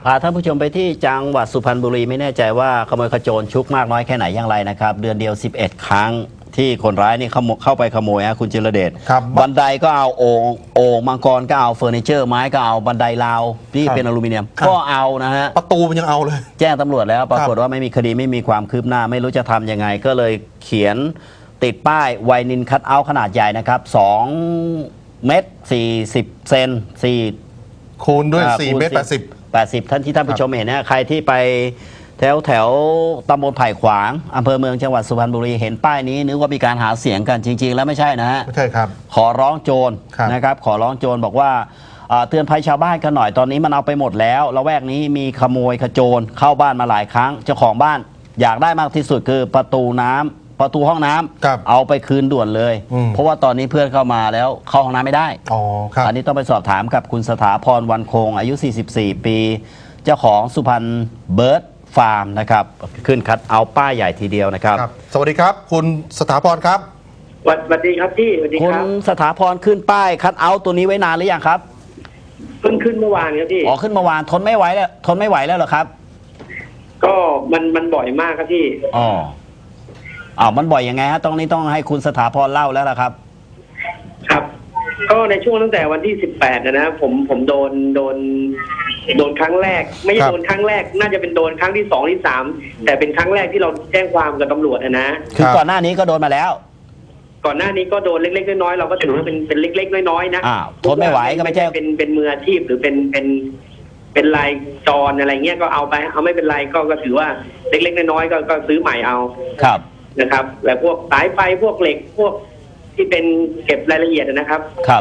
พาท่านผู้ชมไปที่จังหวัดสุพรรณบุรีไม่แน่ใจว่าขโมยขโจรชุกมากน้อยแค่ไหนอย่างไรนะครับเดือนเดียว11ครั้งที่คนร้ายนี่เข้าไปขโมยคุณจิรเดชบันไดก็เอาโอ่งมังกรก็เอาเฟอร์นิเจอร์ไม้ก็เอาบันไดราวที่เป็นอลูมิเนียมก็เอานะฮะประตูมันยังเอาเลยแจ้งตำรวจแล้วปรากฏว่าไม่มีคดีไม่มีความคืบหน้าไม่รู้จะทำยังไงก็เลยเขียนติดป้ายไวนินคัทเอาท์ขนาดใหญ่นะครับ2 เมตร 40 เซน4 คูณด้วย4 เมตร 80ท่านที่ท่านผู้ชมเห็นนะใครที่ไปแถวตำบลไผ่ขวางอำเภอเมืองจังหวัดสุพรรณบุรีเห็นป้ายนี้นึกว่ามีการหาเสียงกันจริงๆแล้วไม่ใช่นะฮะไม่ใช่ครับขอร้องโจรนะครับขอร้องโจรบอกว่าเตือนภัยชาวบ้านกันหน่อยตอนนี้มันเอาไปหมดแล้วละแวกนี้มีขโมยขโจรเข้าบ้านมาหลายครั้งเจ้าของบ้านอยากได้มากที่สุดคือประตูห้องน้ำเอาไปคืนด่วนเลยเพราะว่าตอนนี้เพื่อนเข้ามาแล้วเข้าห้องน้ำไม่ได้อันนี้ต้องไปสอบถามกับคุณสถาพรวันคงอายุ44ปีเจ้าของสุพรรณเบิร์ดฟาร์มนะครับขึ้นคัดเอาป้ายใหญ่ทีเดียวนะครับสวัสดีครับคุณสถาพรครับสวัสดีครับพี่สวัสดีครับคุณสถาพรขึ้นป้ายคัดเอาตัวนี้ไว้นานหรือยังครับขึ้นเมื่อวานครับพี่ขึ้นเมื่อวานทนไม่ไหวแล้วเหรอครับก็มันบ่อยมากครับพี่มันบ่อยยังไงฮะต้องให้คุณสถาพรเล่าแล้วล่ะครับครับก็ในช่วงตั้งแต่วันที่18นะผมโดนครั้งแรกไม่ใช่โดนครั้งแรกน่าจะเป็นโดนครั้งที่2ที่3แต่เป็นครั้งแรกที่เราแจ้งความกับตำรวจนะคือก่อนหน้านี้ก็โดนมาแล้วก่อนหน้านี้ก็โดนเล็กๆน้อยๆเราก็ถือว่าเป็นเล็กๆน้อยๆนะทนไม่ไหวก็ไม่ใช่เป็นมืออาชีพหรือเป็นรายจรอะไรเงี้ยก็เอาไปเอาไม่เป็นไรก็ถือว่าเล็กๆน้อยๆก็ซื้อใหม่เอาครับนะครับและพวกสายไฟพวกเหล็กพวกที่เป็นเก็บรายละเอียดนะครับครับ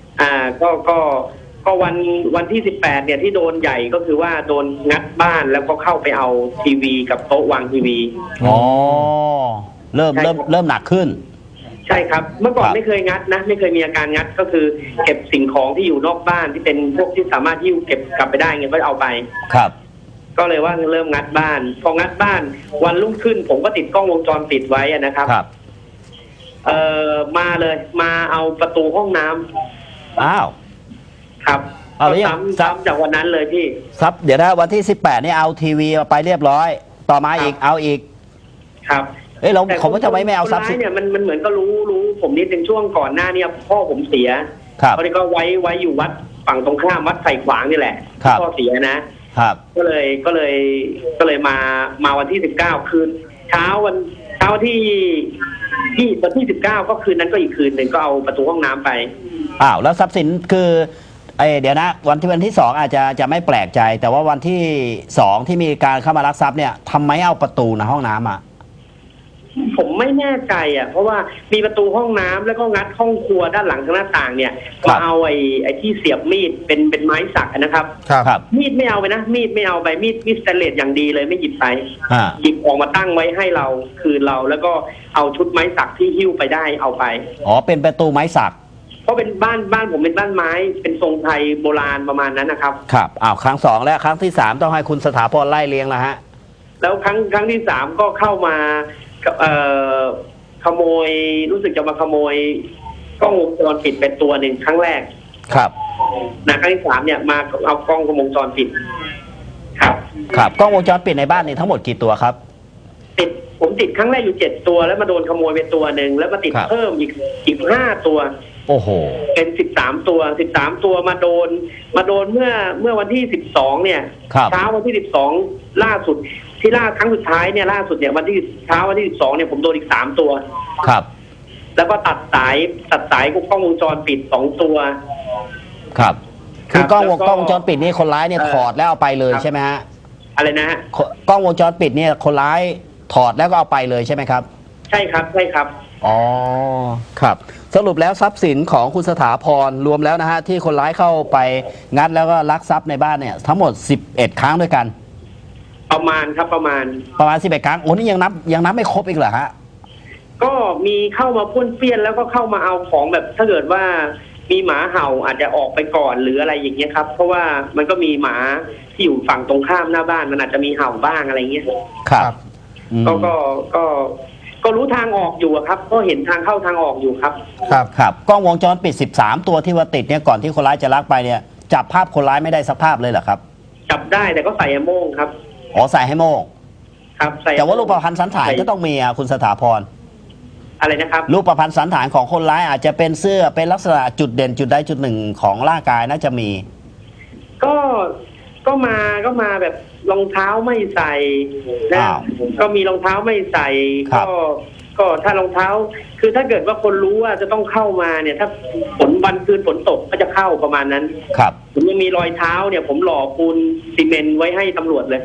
ก็วันที่18เนี่ยที่โดนใหญ่ก็คือว่าโดนงัดบ้านแล้วก็เข้าไปเอาทีวีกับโต๊ะวางทีวีเริ่มหนักขึ้นใช่ครับเมื่อก่อนไม่เคยงัดนะไม่เคยมีอาการงัดก็คือเก็บสิ่งของที่อยู่นอกบ้านที่เป็นพวกที่สามารถที่เก็บกลับไปได้เงี้ยก็เอาไปครับก็เลยว่าเริ่มงัดบ้านพองัดบ้านวันรุ่งขึ้นผมก็ติดกล้องวงจรปิดไว้นะครับมาเลยมาเอาประตูห้องน้ำครับเอาซ้ำจากวันนั้นเลยพี่ซับเดี๋ยวนะวันที่18นี่เอาทีวีไปเรียบร้อยต่อมาอีกเอาอีกครับเราผมก็จะไม่เอาซับเนี่ยมันเหมือนก็รู้ผมนิดนึงช่วงก่อนหน้าเนี่ยพ่อผมเสียเขาก็ไว้อยู่วัดฝั่งตรงข้ามวัดไผ่ขวางนี่แหละพ่อเสียนะครับก็เลยมาวันที่19คืนเช้าวันที่19ก็คืนนั้นก็อีกคืนหนึ่งก็เอาประตูห้องน้ำไปแล้วทรัพย์สินคือเดี๋ยวนะวันที่2อาจจะไม่แปลกใจแต่ว่าวันที่2ที่มีการเข้ามาลักทรัพย์เนี่ยทำไมเอาประตูในห้องน้ำผมไม่แน่ใจเพราะว่ามีประตูห้องน้ำแล้วก็งัดห้องครัวด้านหลังทางหน้าต่างเนี่ยมาเอาไอ้ที่เสียบมีดเป็นไม้สักนะครับมีดไม่เอาไปนะมีดไม่เอาไปมีดสแตนเลสอย่างดีเลยไม่หยิบไปหยิบออกมาตั้งไว้ให้เราคืนเราแล้วก็เอาชุดไม้สักที่หิ้วไปได้เอาไปเป็นประตูไม้สักเพราะเป็นบ้านผมเป็นบ้านไม้เป็นทรงไทยโบราณประมาณนั้นนะครับครับครั้ง2และครั้งที่3ต้องให้คุณสถาพรไล่เรียงแล้วฮะแล้วครั้งที่3ก็เข้ามาขโมยรู้สึกจะมาขโมยกล้องวงจรปิดเป็นตัวหนึ่งครั้งแรกครับครั้งที่3เนี่ยมาเอากล้องวงจรปิดครับกล้องวงจรปิดในบ้านนี่ทั้งหมดกี่ตัวครับผมติดครั้งแรกอยู่7ตัวแล้วมาโดนขโมยไปตัวหนึ่งแล้วมาติดเพิ่มอีก5ตัวโอ้โหเป็น13ตัวมาโดนเมื่อวันที่12เนี่ยเช้าวันที่12ล่าสุดที่ล่าครั้งสุดท้ายเนี่ยล่าสุดเนี่ยวันที่เช้าวันที่12เนี่ยผมโดนอีก3ตัวครับแล้วก็ตัดสายกล้องวงจรปิด2ตัวครับคือกล้องวงจรปิดนี่คนร้ายเนี่ยถอดแล้วเอาไปเลยใช่ไหมฮะอะไรนะฮะกล้องวงจรปิดเนี่ยคนร้ายถอดแล้วก็เอาไปเลยใช่ไหมครับใช่ครับครับสรุปแล้วทรัพย์สินของคุณสถาพรรวมแล้วนะฮะที่คนร้ายเข้าไปงัดแล้วก็ลักทรัพย์ในบ้านเนี่ยทั้งหมด11ครั้งด้วยกันประมาณ 11ครั้งนี่ยังนับไม่ครบอีกเหรอฮะก็มีเข้ามาป้วนเปี้ยนแล้วก็เข้ามาเอาของแบบถ้าเกิดว่ามีหมาเห่าอาจจะออกไปก่อนหรืออะไรอย่างเงี้ยครับเพราะว่ามันก็มีหมาที่อยู่ฝั่งตรงข้ามหน้าบ้านมันอาจจะมีเห่าบ้างอะไรเงี้ยครับก็รู้ทางออกอยู่ครับก็เห็นทางเข้าทางออกอยู่ครับครับกล้องวงจรปิด13ตัวที่ว่าติดเนี่ยก่อนที่คนร้ายจะลักไปเนี่ยจับภาพคนร้ายไม่ได้สักภาพเลยเหรอครับจับได้แต่ก็ใส่แอมโม่งครับอ๋อใส่ให้โม่งครับใส่แต่ว่ารูปพรรณสันฐานก็ต้องมีอ่ะคุณสถาพรอะไรนะครับรูปพรรณสันฐานของคนร้ายอาจจะเป็นเสื้อเป็นลักษณะจุดเด่นจุดใดจุดหนึ่งของร่างกายน่าจะมีก็มาแบบรองเท้าไม่ใส่นะอ้าวก็มีรองเท้าไม่ใส่ครับก็ถ้ารองเท้า คือถ้าเกิดว่าคนรู้ว่าจะต้องเข้ามาเนี่ย ถ้าวันคืนฝนตกก็จะเข้าประมาณนั้นครับผมยังมีรอยเท้าเนี่ย ผมหล่อปูนซีเมนต์ไว้ให้ตำรวจเลย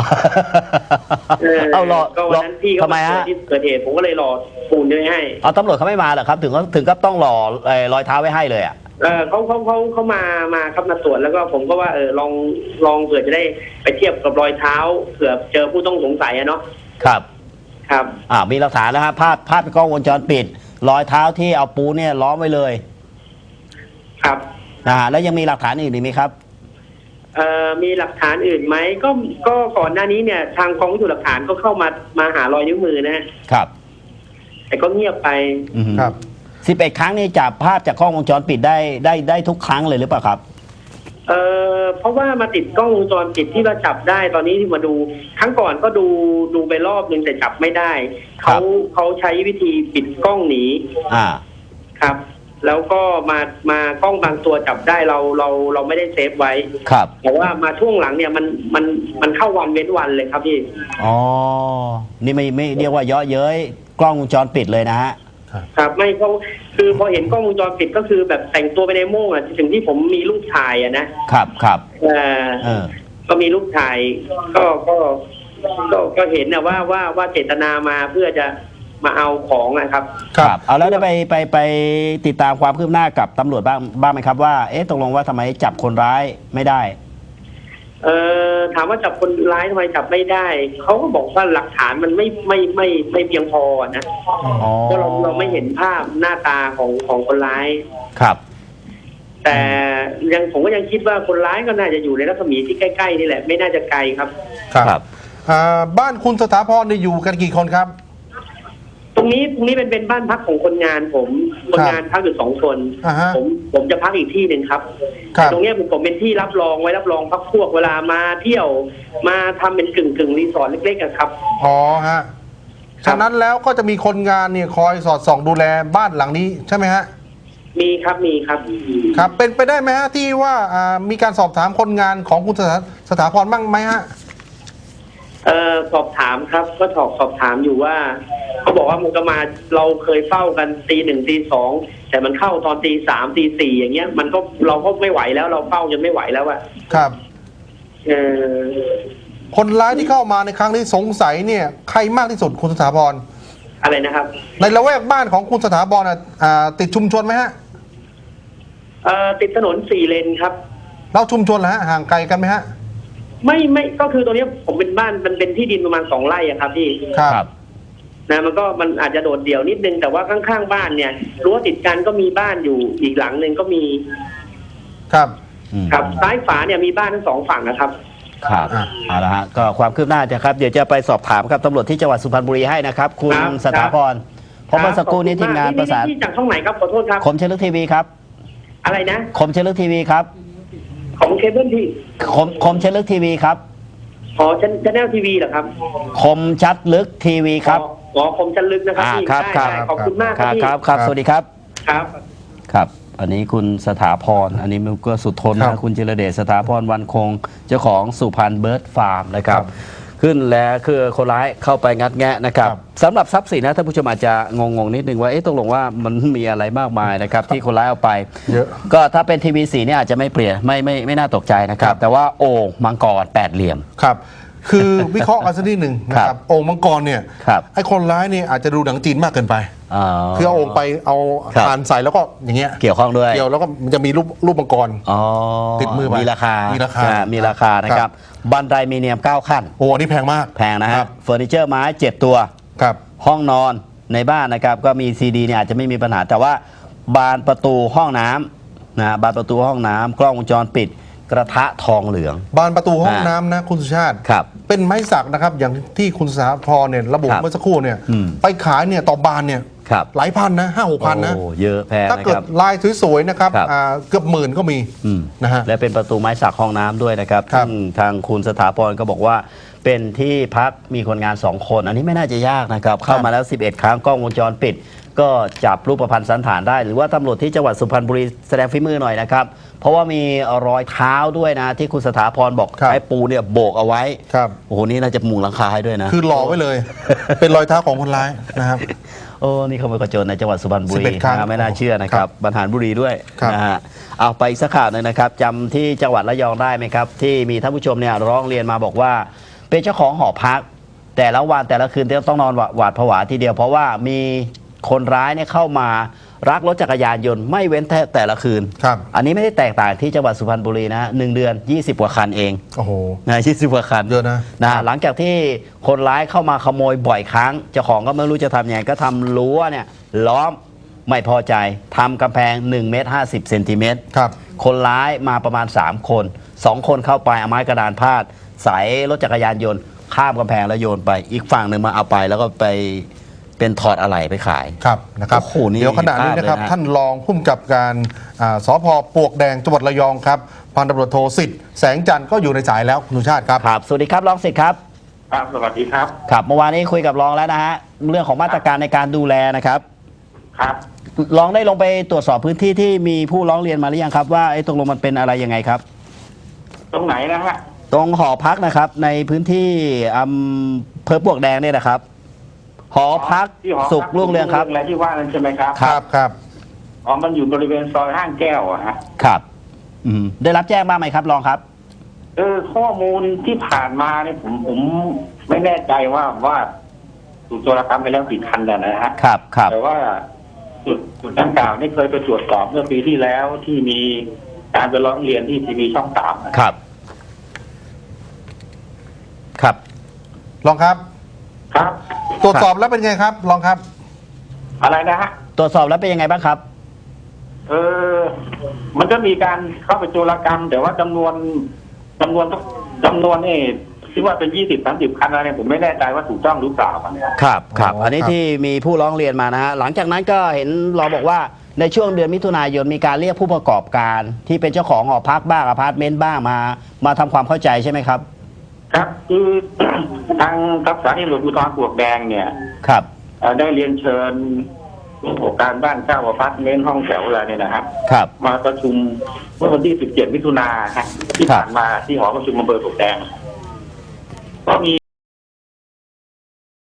เอารอก็วันนั้นพี่ก็ทำไมมาเจฮะอที่เกิดเหตุผมก็เลยหล่อปูนไว้ให้เอาตำรวจเขาไม่มาเหรอครับ ถึงก็ต้องหล่อรอยเท้าไว้ให้เลยอ่ะเขามาครับมาตรวจแล้วก็ผมก็ว่าลองเผื่อจะได้ไปเทียบกับรอยเท้าเผื่อเจอผู้ต้องสงสัยอะเนาะครับครับมีหลักฐานแล้วครับภาพกล้องวงจรปิด รอยเท้าที่เอาปูเนี่ยล้อมไว้เลยครับแล้วยังมีหลักฐานอื่นอีกไหมครับมีหลักฐานอื่นไหมก็ก่อนหน้านี้เนี่ยทางกองพิสูจน์หลักฐานก็เข้ามาหารอยนิ้วมือนะฮะครับแต่ก็เงียบไปครับ 11 ครั้งนี่จับภาพจากกล้องวงจรปิดได้ทุกครั้งเลยหรือเปล่าครับเพราะว่ามาติดกล้องวงจรปิดที่เราจับได้ตอนนี้ที่มาดูครั้งก่อนก็ดูไปรอบนึงแต่จับไม่ได้ครับเขาใช้วิธีปิดกล้องหนี ครับ แล้วก็มากล้องบางตัวจับได้เราไม่ได้เซฟไว้ครับแต่ว่ามาช่วงหลังเนี่ยมันเข้าวันเว้นวันเลยครับพี่อ๋อ นี่ไม่เรียกว่าเยอะเย้ยกล้องวงจรปิดเลยนะฮะครับไม่เขาคือพอเห็นกล้องวงจรปิดก็คือแบบแต่งตัวไปในโม่งอ่ะถึงที่ผมมีรูปถ่ายอ่ะนะครับก็มีรูปถ่ายก็เห็นนะว่าเจตนามาเพื่อจะมาเอาของนะครับครับเอาแล้วได้ไปติดตามความคืบหน้ากับตำรวจบ้างไหมครับว่าตกลงว่าทำไมจับคนร้ายไม่ได้ถามว่าจับคนร้ายทำไมจับไม่ได้เขาก็บอกว่าหลักฐานมันไม่เพียงพอนะเพราะเราไม่เห็นภาพหน้าตาของคนร้ายครับแต่ผมก็ยังคิดว่าคนร้ายก็น่าจะอยู่ในรัศมีที่ใกล้ๆนี่แหละไม่น่าจะไกลครับครับบ้านคุณสถาพรเนี่ยอยู่กันกี่คนครับตรงนี้เป็นบ้านพักของคนงานผมคนงานพักอยู่2 คน ผมจะพักอีกที่หนึ่งครับตรงนี้ผมเป็นที่รับรองไว้รับรองพักพวกเวลามาเที่ยวมาทำเป็นกึ่งรีสอร์ทเล็กๆครับอ๋อฮะฉะนั้นแล้วก็จะมีคนงานเนี่ยคอยสอดส่องดูแลบ้านหลังนี้ใช่ไหมฮะมีครับครับเป็นไปได้ไหมฮะที่ว่ามีการสอบถามคนงานของคุณสถาพรบ้างไหมฮะสอบถามครับก็สอบถามอยู่ว่าเขาบอกว่ามันก็มาเราเคยเฝ้ากันตี 1ตี 2แต่มันเข้าตอนตี 3ตี 4อย่างเงี้ยมันก็เราก็ไม่ไหวแล้วเราเฝ้าจนไม่ไหวแล้วอะครับคนร้ายที่เข้ามาในครั้งนี้สงสัยเนี่ยใครมากที่สุดคุณสถาพรอะไรนะครับในละแวกบ้านของคุณสถาพรติดชุมชนไหมฮะติดถนน4 เลนครับแล้วชุมชนล่ะฮะห่างไกลกันไหมฮะไม่ก็คือตรงนี้ผมเป็นบ้านมันเป็นที่ดินประมาณ2 ไร่อะครับพี่ครับนะมันอาจจะโดดเดี่ยวนิดนึงแต่ว่าข้างๆบ้านเนี่ยรั้วติดกันก็มีบ้านอยู่อีกหลังนึงก็มีครับซ้ายฝาเนี่ยมีบ้านทั้ง2 ฝั่งนะครับครับเอาละฮะก็ความคืบหน้าจะครับเดี๋ยวจะไปสอบถามครับตำรวจที่จังหวัดสุพรรณบุรีให้นะครับคุณสถาพรเพราะเมื่อสักครู่นี้ทีมงานประสานจากช่องไหนครับขอโทษครับคมเชลึกทีวีครับอะไรนะคมเชลึกทีวีครับของเคเบิลทีคมเชลึกทีวีครับชั้นแนลทีวีเหรอครับคมชัดลึกทีวีครับคมชัดลึกนะครับพี่ได้ขอบคุณมากครับพี่ครับสวัสดีครับครับอันนี้คุณสถาพรอันนี้มันก็สุดทนนะคุณจิรเดชสถาพรวันคงเจ้าของสุพรรณเบิร์ดฟาร์มนะครับขึ้นแล้วคือคนร้ายเข้าไปงัดแงะนะครับสำหรับทรัพย์สินนะท่านผู้ชมอาจจะงงนิดนึงว่าตกลงว่ามันมีอะไรมากมายนะครับที่คนร้ายเอาไปก็ถ้าเป็นทีวีสีเนี่ยอาจจะไม่เปลี่ยนไม่น่าตกใจนะครับแต่ว่าโอ่งมังกร8 เหลี่ยมครับคือวิเคราะห์กันสักนิดหนึ่งนะครับโอ่งมังกรเนี่ยไอ้คนร้ายเนี่ยอาจจะดูหนังจีนมากเกินไปคือเอาโอ่งไปเอาทานใส่แล้วก็อย่างเงี้ยเกี่ยวข้องด้วยเกี่ยวแล้วก็มันจะมีรูปมังกรติดมือไปมีราคานะครับบันไดมีเนียม9 ขั้นโอ้นี่แพงมากแพงนะฮะเฟอร์นิเจอร์ไม้7 ตัวห้องนอนในบ้านนะครับก็มีซีดีเนี่ยอาจจะไม่มีปัญหาแต่ว่าบานประตูห้องน้ำนะบานประตูห้องน้ำกล้องวงจรปิดกระทะทองเหลืองบานประตูห้องน้ำนะคุณสุชาติเป็นไม้สักนะครับอย่างที่คุณสถาพรเนี่ยระบุเมื่อสักครู่เนี่ยไปขายเนี่ยต่อบานเนี่ยครับหลายพันนะ5-6 พันนะโอ้เยอะแพงถ้านะเกิคดรับลายสวยๆนะครับครับเกือบหมื่นก็มีนะฮะและเป็นประตูไม้สักห้องน้ำด้วยนะครับครับซึ่งทางคุณสถาพรก็บอกว่าเป็นที่พักมีคนงาน 2 คน อันนี้ไม่น่าจะยากนะครับ เข้ามาแล้ว 11 ครั้งกล้องวงจรปิด ก็จับรูปพรรณสันฐานได้ หรือว่าตำรวจที่จังหวัดสุพรรณบุรีแสดงฝีมือหน่อยนะครับ เพราะว่ามีรอยเท้าด้วยนะ ที่คุณสถาพรบอกครับไอ้ปูเนี่ยโบกเอาไว้ครับโอ้โหนี่น่าจะมุงหลังคาให้ด้วยนะคือหล่อไว้เลย เป็นรอยเท้าของคนร้ายนะครับโอ้นี่ขโมยกระโจนในจังหวัดสุพรรณบุรี 11 ครั้งนะไม่น่าเชื่อนะครับ บรรหารบุรีด้วยครับนะฮะเอาไปอีกสักข่าวหนึงนะครับจำที่จังหวัดระยองได้ไหมครับ ที่มีท่านผู้ชมเนี่ยร้องเรียนมาบอกว่า เป็นเจ้าของหอพัก แต่ละวันแต่ละคืนต้องนอนหวาดผวาทีเดียว เพราะว่ามีคนร้ายเนี่ยเข้ามารักรถจักรยานยนต์ไม่เว้นแต่ละคืนครับอันนี้ไม่ได้แตกต่างที่จังหวัดสุพรรณบุรีนะฮะ1 เดือน 20 กว่าคันเองโอ้โหนะ20 กว่าคันเยอะนะหลังจากที่คนร้ายเข้ามาขโมยบ่อยครั้งเจ้าของก็ไม่รู้จะทำยังไงก็ทำรั้วเนี่ยล้อมไม่พอใจทำกำแพง1 เมตร 50 เซนติเมตรครับคนร้ายมาประมาณ 3 คน 2 คนเข้าไปเอาไม้กระดานพาดใส่รถจักรยานยนต์ข้ามกำแพงแล้วโยนไปอีกฝั่งหนึ่งมาเอาไปแล้วก็ไปเป็นถอดอะไหล่ไปขายครับนะครับโอ้โหนี่เดี๋ยวขณะนี้นะครับพลาดเลยนะท่านรองผู้กำกับการสพปลวกแดงจังหวัดระยองครับพันตำรวจโทสิทธิ์แสงจันทร์ก็อยู่ในสายแล้วคุณสุชาติครับครับสวัสดีครับรองสิทธิ์ครับครับสวัสดีครับครับเมื่อวานนี้คุยกับรองแล้วนะฮะเรื่องของมาตรการในการดูแลนะครับครับรองได้ลงไปตรวจสอบพื้นที่ที่มีผู้ร้องเรียนมาหรือยังครับว่าไอ้ตกลงมันเป็นอะไรยังไงครับตรงไหนนะฮะตรงหอพักนะครับในพื้นที่อำเภอปลวกแดงเนี่ยนะครับ หอพักที่หอสุขรุ่งเรืองครับอะไรที่ว่านั้นใช่ไหมครับครับอ๋อมันอยู่บริเวณซอยห้างแก้วอะฮะครับได้รับแจ้งบ้างไหมครับรองครับข้อมูลที่ผ่านมาเนี่ยผมไม่แน่ใจว่าถูกโจรกรรมไปแล้วกี่คันแล้วนะฮะครับครับแต่ว่าจุดดังกล่าวนี่เคยไปตรวจสอบเมื่อปีที่แล้วที่มีการไปร้องเรียนที่ทีวีช่อง 3 ครับ ครับรองครับครับตรวจสอบแล้วเป็นไงครับรองครับอะไรนะฮะตรวจสอบแล้วเป็นยังไงบ้างครับมันก็มีการเข้าไปโจรกรรม แต่ว่าจำนวนนี่ที่ว่าเป็น20-30 คันอะไรเนี่ยผมไม่แน่ใจว่าถูกต้องหรือเปล่าเนี่ยครับครับอ๋ออัอันนี้ครับที่มีผู้ร้องเรียนมานะฮะหลังจากนั้นก็เห็นเราบอกว่าในช่วงเดือนมิถุนายนมีการเรียกผู้ประกอบการที่เป็นเจ้าของหอพักบ้างอพาร์ตเมนต์บ้างมาทำความเข้าใจใช่ไหมครับครับคือ ทางสถานีตำรวจภูธรปลวกแดงเนี่ยครับได้เรียนเชิญผู้ประกอบการบ้านเช่าอพาร์ตเมนต์ห้องแถวอะไรเนี่ยนะครับครับมาประชุมเมื่อวันที่ 17 มิถุนายนที่ผ่านมาที่หอประชุมอำเภอปลวกแดง